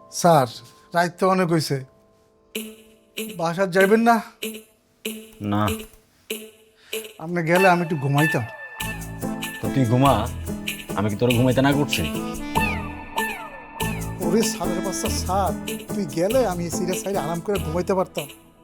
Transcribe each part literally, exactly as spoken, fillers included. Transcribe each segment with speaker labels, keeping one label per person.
Speaker 1: Sir রাত তো অনেক হয়েছে, বাসার যাইবেন না?
Speaker 2: না,
Speaker 1: আপনি গেলে আমি একটু ঘুমাইতাম।
Speaker 2: তো তুই ঘুমা, আমি কি তোর ঘুমাইতে না করছি?
Speaker 1: ওরে সাড়ে পাঁচটা স্যার, তুই গেলে আমি সিরিয়াস সাইডে আরাম করে ঘুমাইতে পারতাম।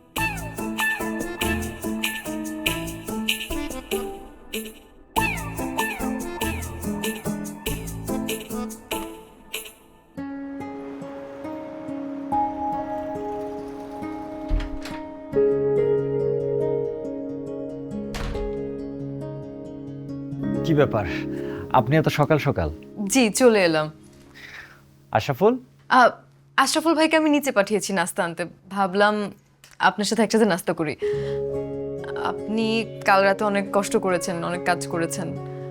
Speaker 2: কি ব্যাপার, আপনি এত সকাল সকাল?
Speaker 3: জি চলে এলাম।
Speaker 2: আশরাফুল?
Speaker 3: আহ, আশরাফুল ভাইকে আমি নিচে পাঠিয়েছি নাস্তা আনতে, ভাবলাম আপনার সাথে একসাথে নাস্তা করি। আপনি কাল রাতে অনেক কষ্ট করেছেন, অনেক কাজ করেছেন,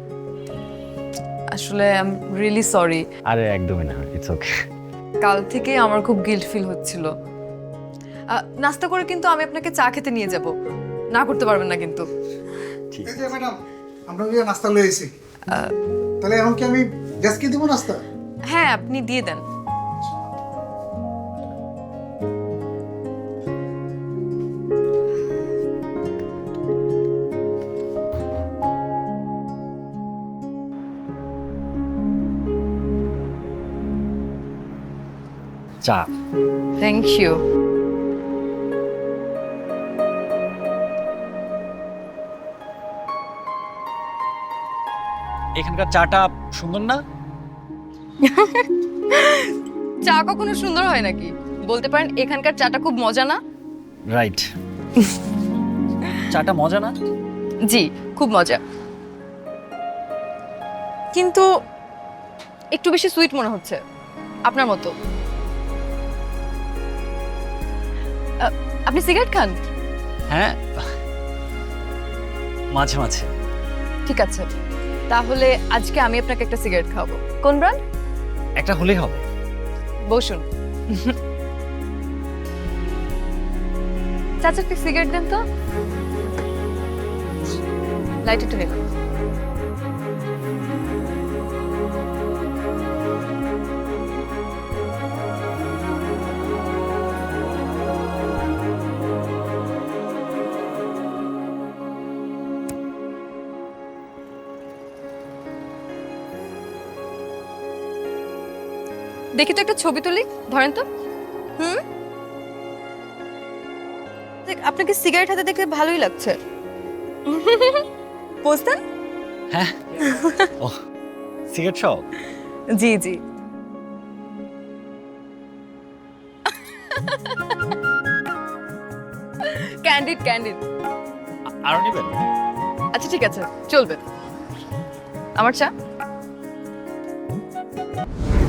Speaker 3: আসলে আই এম রিয়েলি সরি।
Speaker 2: আরে একদমই না, ইটস ওকে।
Speaker 3: কাল থেকে আমার খুব গিল্ট ফিল হচ্ছিল। আহ, নাস্তা করে কিন্তু আমি আপনাকে চা খেতে নিয়ে যাব, না করতে পারবেন না কিন্তু।
Speaker 1: এই যে ম্যাডাম, আমরা গিয়ে নাস্তা লয়ে এসেছি। তাহলে এখন কি আমি গ্যাসকে দিব নাস্তা?
Speaker 3: হ্যাঁ আপনি দিয়ে দেন।
Speaker 2: চা।
Speaker 3: Thank you.
Speaker 2: এখানকার চাটা সুন্দর না?
Speaker 3: চা কখনো সুন্দর হয় নাকি? বলতে পারেন এখানকার চাটা খুব মজা না?
Speaker 2: রাইট। চাটা মজা না?
Speaker 3: জি খুব মজা, কিন্তু একটু বেশি সুইট মনে হচ্ছে আপনার মতো। আহ, আপনি সিগারেট খান?
Speaker 2: হ্যাঁ, মাঝে মাঝে।
Speaker 3: ঠিক আছে, তাহলে আজকে আমি আপনাকে একটা সিগারেট খাওয়াবো। কোন ব্র্যান্ড?
Speaker 2: একটা হলেই হবে।
Speaker 3: বসুন। চাচাকে সিগারেট দেন তো, লাইট একটু নেবেন। দেখি তো একটা ছবি তুলি, ধরেন তো। হুম, দেখ, আপনাকে সিগারেট হাতে দেখে ভালোই লাগছে। বুঝতেন?
Speaker 2: হ্যাঁ। ও, সিগারেট শপ?
Speaker 3: জি জি। ক্যান্ডিড ক্যান্ডিড।
Speaker 2: আরো নেবেন?
Speaker 3: আচ্ছা ঠিক আছে, চলবে। আমার চা।